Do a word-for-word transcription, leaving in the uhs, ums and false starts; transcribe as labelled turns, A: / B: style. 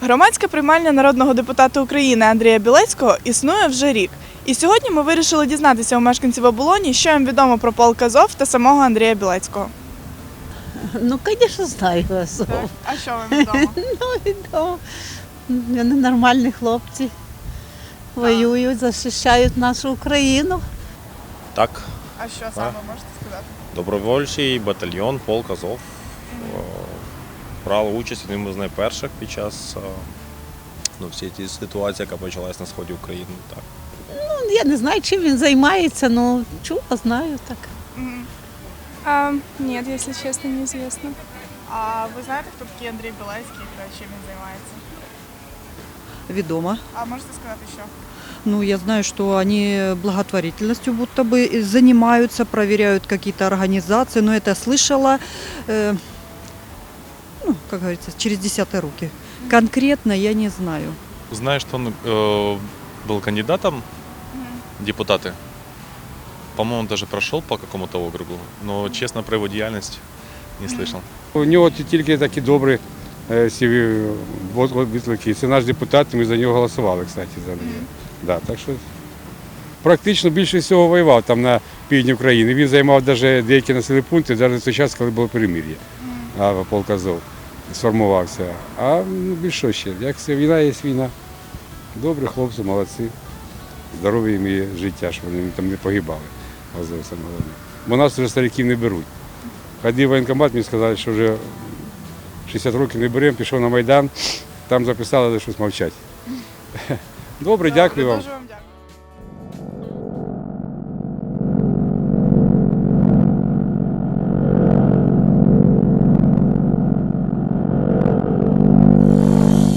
A: Громадська приймальня народного депутата України Андрія Білецького існує вже рік. І сьогодні ми вирішили дізнатися у мешканців Оболоні, що їм відомо про полк Азов та самого Андрія Білецького.
B: Ну, звісно, знаю Азов.
A: А що вам відомо?
B: Ну, відомо. Вони нормальні хлопці. Воюють, захищають нашу Україну.
C: Так,
A: А що саме можете сказати?
C: добровольчий батальйон полк Азов. Е, Брали участь одним з найперших під час е, ну, всієї ті ситуації, яка почалась на сході України. Так.
B: Ну, я не знаю, чим він займається, ну, чула, знаю так.
D: А, нет, если честно, неизвестно.
A: А ви знаєте, хто такий Андрій Білецький та чим він займається?
E: Ведомо.
A: А можете сказати, що?
E: Ну, я знаю, что они благотворительностью будто бы занимаются, проверяют какие-то организации, но это слышала, э, ну, как говорится, через десятые руки. Конкретно я не знаю.
F: Знаю, что он э, был кандидатом в депутаты. По-моему, даже прошел по какому-то округу, но, честно, про его деятельность не слышал.
G: У нього тільки такі добрі е, всі відлики. Це наш депутат, ми за нього голосували, кстати, за нього. Да, так що практично більше всього воював там на півдні України. Він займав навіть деякі населені пункти, навіть в той час, коли було перемир'я, а полк Азов сформувався. А ну, більше ще, як це війна є війна. Добрі хлопці, молодці. Здоров'я їм і життя, щоб вони там не погибали. Азов саме головне. Бо нас вже стариків не беруть. Ходив в воєнкомат, мені сказали, що вже шістдесят років не беремо, пішов на Майдан, там записали, але щось мовчать. Добре, дякую вам.
A: Дуже вам